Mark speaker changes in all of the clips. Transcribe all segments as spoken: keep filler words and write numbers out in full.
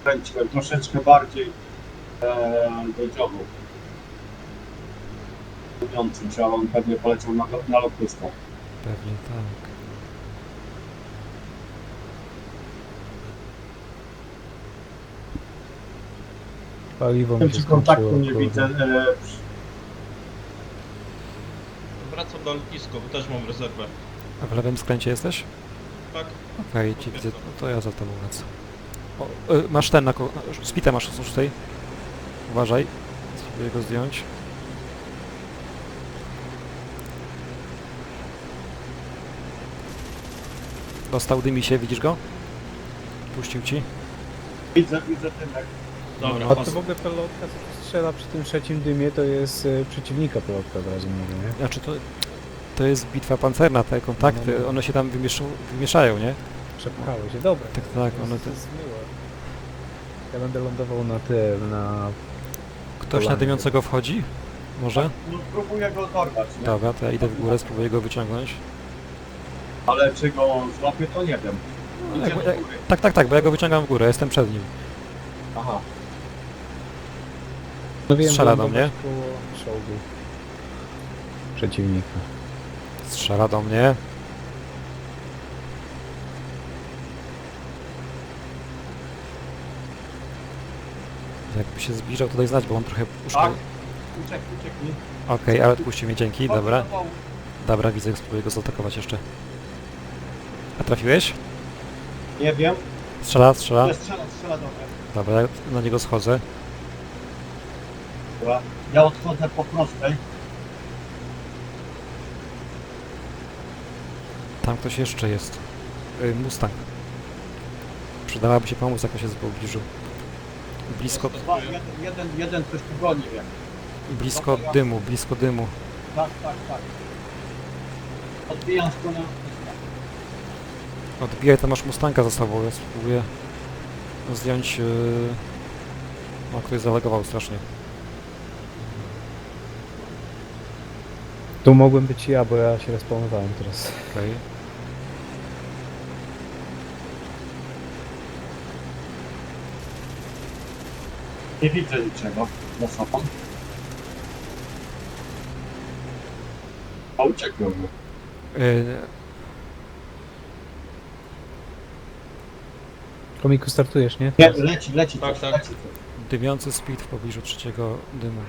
Speaker 1: kręciłem troszeczkę bardziej e, do dziobu. Mówiącym, że on pewnie poleciał na, na lotnisko.
Speaker 2: Pewnie tak.
Speaker 3: Paliwo
Speaker 1: Nie
Speaker 3: mi
Speaker 1: wiem,
Speaker 3: się
Speaker 1: czy kontaktu
Speaker 3: skończyło,
Speaker 1: nie
Speaker 3: kurde.
Speaker 1: widzę. E,
Speaker 4: Wracam do lotniska, bo też mam rezerwę.
Speaker 2: A w lewym skręcie jesteś?
Speaker 4: Tak?
Speaker 2: Okej, okay, cię widzę, no to ja za tobą lecę. O, y, masz ten na ko... Spitę masz z tej. Uważaj. Spróbuję go zdjąć. Dostał, dymi się, widzisz go? Puścił ci.
Speaker 1: widzę, widzę tymek.
Speaker 4: Dobra,
Speaker 3: A to
Speaker 4: pas.
Speaker 3: w ogóle pelotka, co tu strzela przy tym trzecim dymie, to jest y, przeciwnika pelotka, od razu mówię, nie?
Speaker 2: Znaczy to... To jest bitwa pancerna, te kontakty,
Speaker 3: No, no.
Speaker 2: one się tam wymieszą, wymieszają, nie?
Speaker 3: Przepchały się, dobra.
Speaker 2: Tak, tak,
Speaker 3: to
Speaker 2: one
Speaker 3: jest-
Speaker 2: te...
Speaker 3: to jest miłe. Ja będę lądował na tym, na...
Speaker 2: Ktoś na
Speaker 3: Polanie.
Speaker 2: dymiącego wchodzi? Może?
Speaker 1: No spróbuję go dorwać, nie?
Speaker 2: Dobra, to ja idę w górę, spróbuję go wyciągnąć.
Speaker 1: Ale czy go złapię, to nie wiem.
Speaker 2: No,
Speaker 1: Idzie
Speaker 2: jak,
Speaker 1: do
Speaker 2: jak,
Speaker 1: góry.
Speaker 2: tak, tak, tak, bo ja go wyciągam w górę, jestem przed nim.
Speaker 1: Aha.
Speaker 3: No wiem,
Speaker 2: Strzela do
Speaker 3: lądować
Speaker 2: mnie.
Speaker 3: koło czołgu przeciwnika.
Speaker 2: Strzela do mnie. Jakby się zbliżał, to daj znać, bo on trochę uszko...
Speaker 1: Tak?
Speaker 2: Okej,
Speaker 1: Uciekł, ucieknij.
Speaker 2: ale odpuścił mnie, dzięki, dobra.
Speaker 1: Chodź do dołu.
Speaker 2: Dobra, widzę, spróbuję go zaatakować jeszcze. A trafiłeś?
Speaker 1: Nie wiem.
Speaker 2: Strzela, strzela.
Speaker 1: Ale strzela, strzela do mnie.
Speaker 2: Dobra, ja na niego schodzę.
Speaker 1: Dobra. Ja odchodzę po prostej.
Speaker 2: Tam ktoś jeszcze jest. Y, Mustang. Przydałaby się pomóc, jak on się w pobliżu. Blisko,
Speaker 1: Dwa, jeden, jeden, jeden coś tu goni, wiem.
Speaker 2: blisko dymu, blisko dymu.
Speaker 1: Tak, tak, tak. Odbijam stronę.
Speaker 2: Odbijaj, tam masz Mustanga za sobą, ja spróbuję zdjąć... Yy... No, ktoś zalegował strasznie.
Speaker 3: Tu mogłem być ja, bo ja się respawnowałem teraz.
Speaker 2: Okej.
Speaker 1: Nie widzę niczego za sobą. A uciekłem mu.
Speaker 2: Yy...
Speaker 3: Komiku, startujesz, nie?
Speaker 1: Nie, leci, leci
Speaker 4: Tak,
Speaker 1: coś,
Speaker 4: tak.
Speaker 1: leci coś.
Speaker 2: Dymiący speed w pobliżu trzeciego dymu.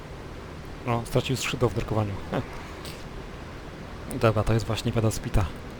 Speaker 2: No, stracił skrzydło w drukowaniu. Dobra, to jest właśnie pada spita.